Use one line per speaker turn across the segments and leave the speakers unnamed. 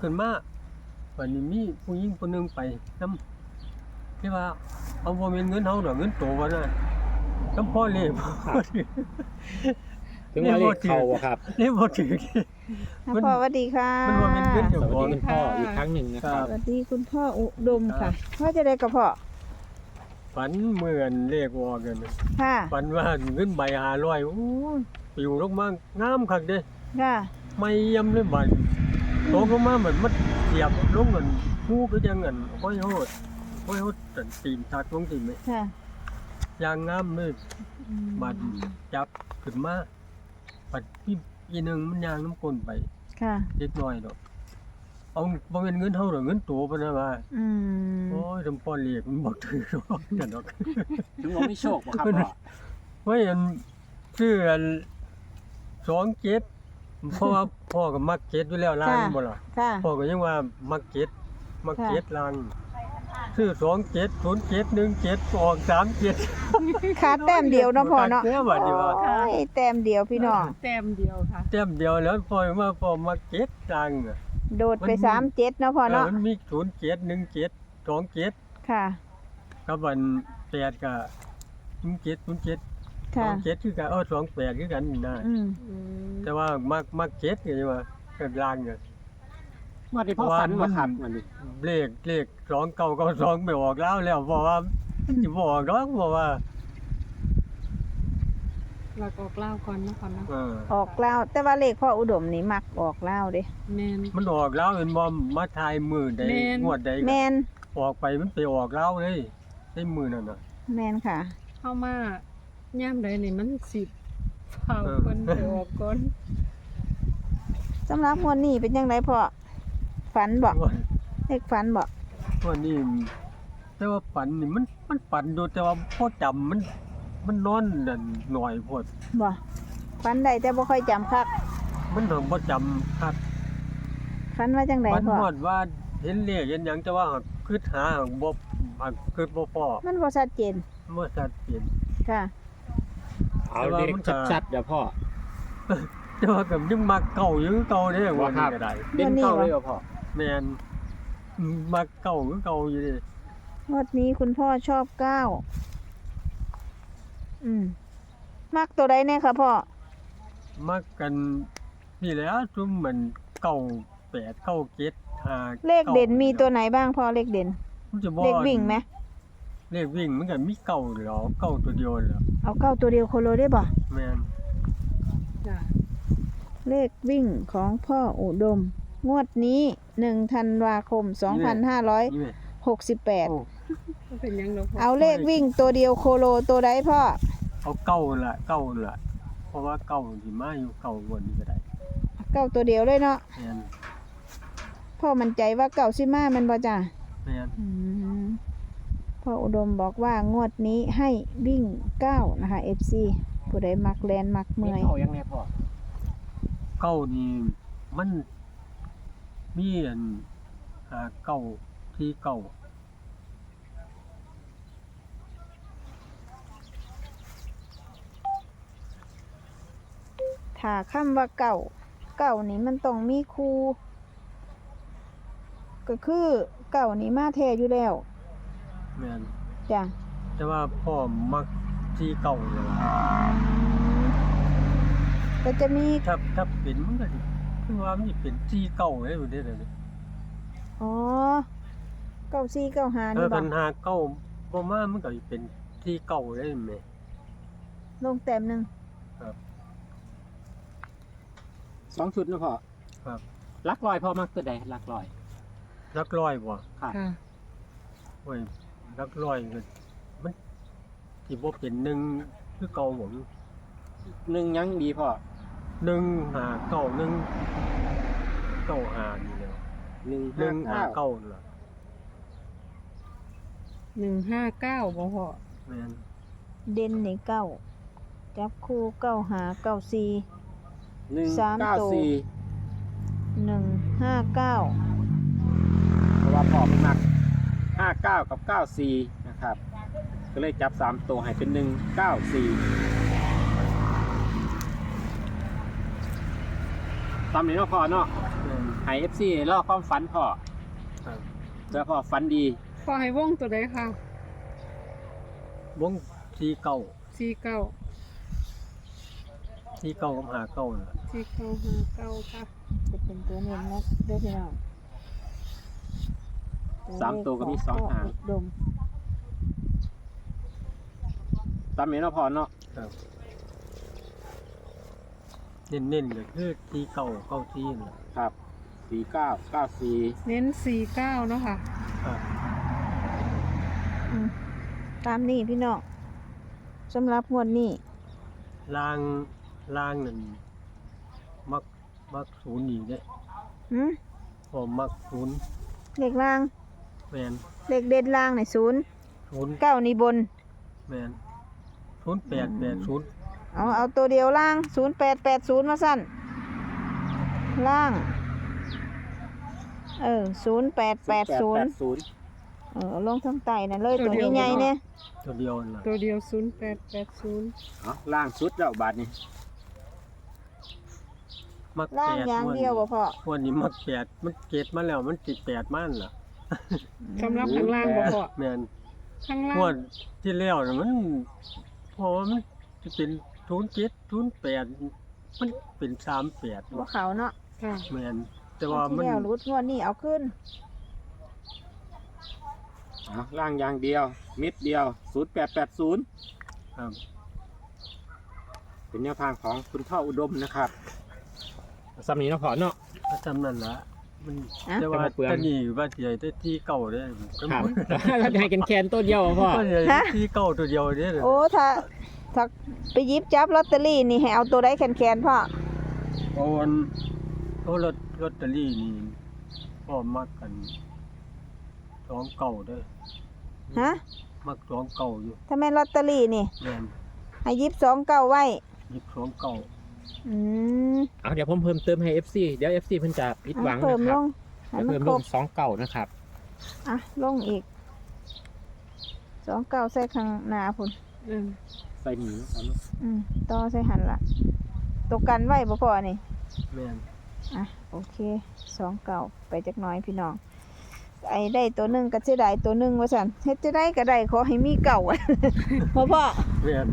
ขึ้นมาวันนี้มีผู้หญิงคนหนึงไปนำที่ว่าเอาบ่แม่นเงินเฮาดอกเงินโตว่าน่ะนำพ่อเลข
ถึงว่าเลขเข้าบ่ครับ
นี่บ่ถือ
พ่อสวัสดีค่ะ
มันบ่แม่นเงิน
ส
เจ้า
วัส
ขอ
ดี
ง
คุณพ่ออีกครั้งหนึ่งนะค
ครั
รับ
บ
สวัสดีคุณพ่ออุดมค่ะพ่อจะได้กับพ่อ
ฝันเหมือนเลขออกกัน
ค่ะ
ฝันว่าเงินใบ500โอ้ยปลิวลงมางามคักเด้
ค่ะ
ไม่ยำเลยบัดตกลงมาเหมือนมันเสียบลงกันฮู้คือจังอันห้อยโหดตันตีนทักลงตีนไหม
ค่ะ
ยางงามเลย
อืม
บัดจับขึ้นมาบัดพี่อีหนึงมันยางน้ำก้นไป
ค่ะ
เล็กน้อยดอกเอาบ่แม่นเงินเฮาดอกเงินโตปานนั้นว่า
อืม
โอ้ยจำป้อนเลขมันบ่ถือดอกนั่นดอก
ถึงว่าไม่โชคบ่ครับพ่อ
ไว้อันชื่ออัน27เพราะว่าพ่อก็มักเก็ดอยู่แล้วล่างบ่ล่ะ
ค่ะ
พ่อก็ยังว่ามักเก็ดล่างชื่อ270717ออก37
ขาดแต้มเดียวเนาะพ่อเนาะ
แต้มเดียว
โอ้ยแต้มเดียวพี่น้อง
แต้มเดียวค่ะ
แต้มเดียวแล้วพ่อว่าพ่อมักเก็ดล่างอะ
โดดไป37เนาะพ่อเนาะ
มันมี0717 27
ค่ะ
กับวัน8ก็07
ค่ะ
27คือกัน28คือกันนี่นะ
อืม
แต่ว่ามักเก็ดไงว่าก็ล่างเนี่ย
ว่าที่พ่อฝันบ่ครับวันนี้
เลข2992ไม่ออกแล้วเพราะว่ามันสิบ่ออกดอกเพราะว่า
เราก็เล่าก่อนนะก่อนนะ
ออกแล้วแต่ว่าเลขพ่ออุดมนี่มักออกแล้วเด้
แมน
มันออกแล้วเห็นบ่มาทายมือใด
แม่น
งวดใดก็
แมน
ออกไปมันไปออกแล้วเลยในมือนั่นน่ะ
แมนค่ะ
เข้ามาย่ามใดนี่มันสิเฝ้า
เออ
เพิ่นไปออกก่อน
สำหรับงวดนี้เป็นยังไงพ่อฝันบ่
งวด
เลขฝันบ่
งวดนี้แต่ว่าฝันนี่มันฝันอยู่แต่ว่าพอจำมันนอนนั่นหน่อยโพด
บ่ฝันได้แต่บ่ค่อยจำคัก
มันถึงบ่จำคัก
ฝันว่าจังได
ฝัน
พ่อ
ฮอดว่าเห็นเลขเห็นหยังแต่ว่าคิดหาบ่คิดบ่พอ
มันบ่ชัดเจน
บ่ชัดเจน
ค่ะ
เอาเลขชัดๆเดี๋ยวพ่อ
แต่ว่าก็ยังมักเก่าอยู่คือเก่าเด้งวดนี้ก็ได้
เด่นเก้าเลยเหรอพ่อ
แม่นมักเก่าคือเก่าอยู่เด้
งวดนี้คุณพ่อชอบ9มักตัวใดแน่ค่ะพ่อ
มักกันนี่แหละซุมเหมือนเก่า8เก่า7 5
เลขเด่นมีตัวไหนบ้างพ่อเลขเด่น
มันจะบ่
เลขวิ่งไหม
เลขวิ่งมันก็มีเก่าเหรอเก่าตัวเดียวเหรอ
เอา9ตัวเดียวโคโลได้บ่
แม่น
จ้ะ
เลขวิ่งของพ่ออุดม งวดนี้1ธันวาคม
นี่แม่โอ้
2568
มันเป็นหยังดอกพ่อ
เอาเลขวิ่งตัวเดียวโคโลตัวใดพ่อ
เอาเก่าล่ะเพราะว่าเก่าสิมาอยู่เก่าวนนี้ก็ได้
9ตัวเดียวเลยเนาะ
แม่น
พ่อมั่นใจว่าเก่าสิมาแมันบ่จ้ะ
แม่น
อืมพ่ออุดมบอกว่างวดนี้ให้วิ่ง9นะคะ FC ผู้ใดมักแลนมัก
เด่
เมื่
น
อย
เข้ายังไงพ่อ
เก่านี่มันมีอันเก่าที่เก่า
ถ้าคำว่าเก่านี่มันต้องมีครูก็คือเก่านี่มาแท้อยู่แล้ว
แม่น
จ้ะ
แต่ว่าพ่อมักที่เก่าเลยล่ะ
ก็จะมี
ถ้าเป็นมันก็สิคือว่ามันสิเป็นที่เก่าเลยอยู่เด้อนี่
อ๋อเก้าสี่เก้าห้านี่บ่
คันหาเก่าบ่มามันก็สิเป็นที่เก่าเลยแม่
ลงแต้มหนึง
2 ชุดนะพ่อ
ครับ
ลักลอยพ่อมักตัวใดลักลอย
รักร้อยบ่
ครับ
ค่ะ
โอ้ยรักร้อยก็มันสิบ่เป็นหนึ่งคือเก่าหมด
หนึ่งยังดีพ่อ
1 5 9 1 9 5นี่แหละ 1 5
159
9นั่นล่ะ
159บ่พ่อ
แม่น
เด่นนี่เก้าจับคู่เก้าห้าเก้าสี่
194
159
เพราะว่าพ่อมันมัก59 กับ 94 นะครับ ก็เลยจับ 3 ตัวให้เป็น 194 ตามนี้เนาะพ่อเนาะ
แม่น
ให้ FC รอความฝันพ่อ
ครับ
เจอพ่อฝันดี
พอให้วงตัวใดค่ะ
วงที่เก่า
49
ที่เก่ากับหาเก่าน่ะ
4959ค่ะ
จะเป็นตัวเน้นนะเด้อพี่น้อง
3ตัวก็มี2หาง
ดม
ตามนี้เนาะพ่อเนาะ
ครับเน้นๆก็คือที่เก่าเก่าที่น่ะ
ครับ49 94
เน้น49เนาะค่ะ
ครับ
อืมตามนี้พี่น้องสำหรับงวดนี้
ล่างนั่นมักศูนย์อีกเด้
หืม
พอมักศูนย์
เลขล่าง
แม่น
เลขเด็ดล่างใน0
ศูนย์
9นี่บน
แม่น0880
เอาตัวเดียวล่าง 0880 มาสั้นล่าง 0880 ลงทั้งไตนั่นเลยตัวใหญ่ๆเนี่ย
ตัวเดียวนั่นล่ะ
ตัวเดียว0880
เอาล่างสุดแล้วบาดนี้
มัก
ล่าง
8
อย่างเดียวบ่พอ
วันนี้มัก8มันเกตมาแล้วมันติด8มันล่ะ
สำหรับข้างล่างบ่พอ
แม่น
ข้างล่าง
งวดที่แล้วน่ะมันเพราะว่ามันจะเป็น07 08มันเป็น38
บ่เขาเนาะ
ค่ะ
แม่นแต่ว่า
ที่
มัน
แล้วรุดงวดนี้เอาขึ้น
เอาล่างอย่างเดียวมิดเดียว 0880
ครับ
เป็นแนวทางของคุณพ่ออุดมนะครับสำนี้เนาะพ่อเนาะ
ก็จำนั่นละมัน
อ่ะ
แต่ว่า
จะมาเปลือง
ตะนี่ว่าสิให้แต่ที่เก่าเด้อ
ครับ เราจะให้กันแคนตัวเดียวพ่อ
ก็สิให้ที่เก่าตัวเดียวเด้อ
โอ้ถ้าไปหยิบจับลอตเตอรี่นี่ให้เอาตัวใดแคนๆพ่อ
โอนโอ้ลอตเตอรี่นี่พ่อมักกัน2เก่าเด้อ
ฮะ
มัก2เก่าอยู่
ถ้าแม่นลอตเตอรี่นี่
แม่น
ให้หยิบ29ไว้
หยิบ2เก่า
อืม
เอาเดี๋ยวผมเพิ่มเติมให้ FC เดี๋ยว FC เพิ่นจะผิดหวัง
เพิ่
นะ
ม
ค
ล
รับ
งให้
เดี๋ยว
มัน
เพิ่ม
ค
ล
รง บ
2เก่านะครับ
อ่ะลงอีก29ใส่ข้างหน้าพุ่น
อืม
ใส่หนีเอาเนาะ
ต่อใส่หันละตกกันไว้บ่พอนี่
แม่น
อ่ะโอเค29ไปจักหน่อยพี่น้องไอ้ได้ตัวหนึงก็สิได้ตัวหนึงว่าซั่นเฮ็ดจะได้ก็ได้ขอให้มีเก่า พ่อ
แม่น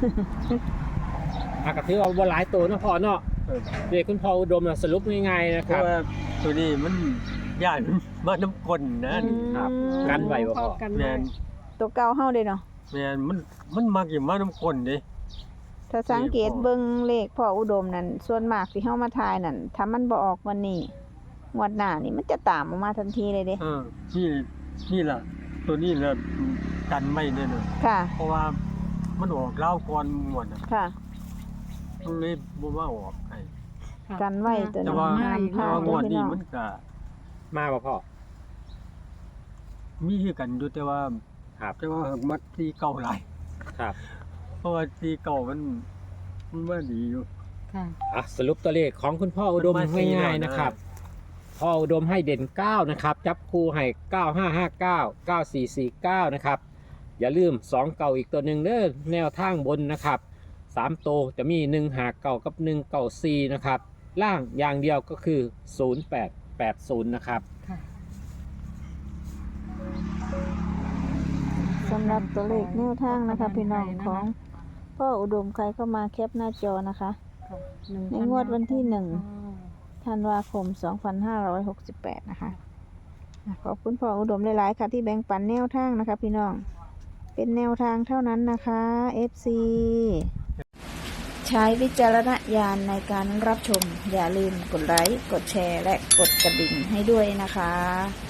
ก็ถือว่าบ่หลายตัวเนาะพ่อเนาะ
เออ
เด็กคุณพ่ออุดมน่ะสรุปง่ายๆนะ
เพ
ครั
ราะ
บ
ว่าตัวนี้มันย่านมาน้ำกลนนะ
ครับ
อืม
กันไว้บ่
พ
พ่
อ
อ
กัน
แม่
ไว้
น
ตัวเก่าเฮาเด้เนาะ
แม่นมันมักอยู่มาน้ำกลนเด้
ถ้าสังเกตเบิ่งเลขพ่ออุดมนั่นส่วนมากที่เฮามาทายนั่นถ้ามันบ่ออกวันนี้งวดหน้านี่มันจะตามออกมาทันทีเลยเด้
นี่ล่ะตัวนี้ล่ะกันไว้เนี่ยน่ะ
ค่ะ
เพราะว่ามันออกเล่าวก่อนหมดน่ะ
ค่ะ
มันเลยบ่มาออกให้
ค่ะ
กันไว้ตัว
แต่
นี้
ว่า
ห้ามพ
แต่
ลาด
ว่าง
เด้อ
วด
พี่
นี้
น้อง
มันก็
มาบ่พ่อ
มีคือกันอยู่แต่ว่า
ครับ
แต่ว่ามักที่เก่าหลาย
ครับ
เพราะว่าที่เก่ามันว่าดีอยู่
ค่ะ
สรุปตัวเลขของคุณพ่ออุดม
มันมาสี่
ง่าย
แล้วนะ
ๆนะครับ พ่ออุดมให้เด่น 9 นะครับ จับคู่ให้ 9559 9449 นะครับ อย่าลืม 2 เก่าอีกตัวหนึ่งเด้อแนวทางบนนะครับ 3 โตวจะมี 1 หาเก่ากับ 1 เก่า4นะครับ ล่างอย่างเดียวก็คือ 0880 นะครับ
ค่ะ
สำหรับตัวเลขแนวทางนะคะพี่น้องของพ่ออุดมใครเข้ามาแคปหน้าจอนะคะ ในงวดวันที่ ธันวาคม 2568 นะคะขอบคุณพ่ออุดมหลายๆค่ะที่แบ่งปันแนวทางนะคะพี่น้อง เป็นแนวทางเท่านั้นนะคะ FC ใช้วิจารณญาณในการรับชม อย่าลืมกดไลค์ กดแชร์ และกดกระดิ่งให้ด้วยนะคะ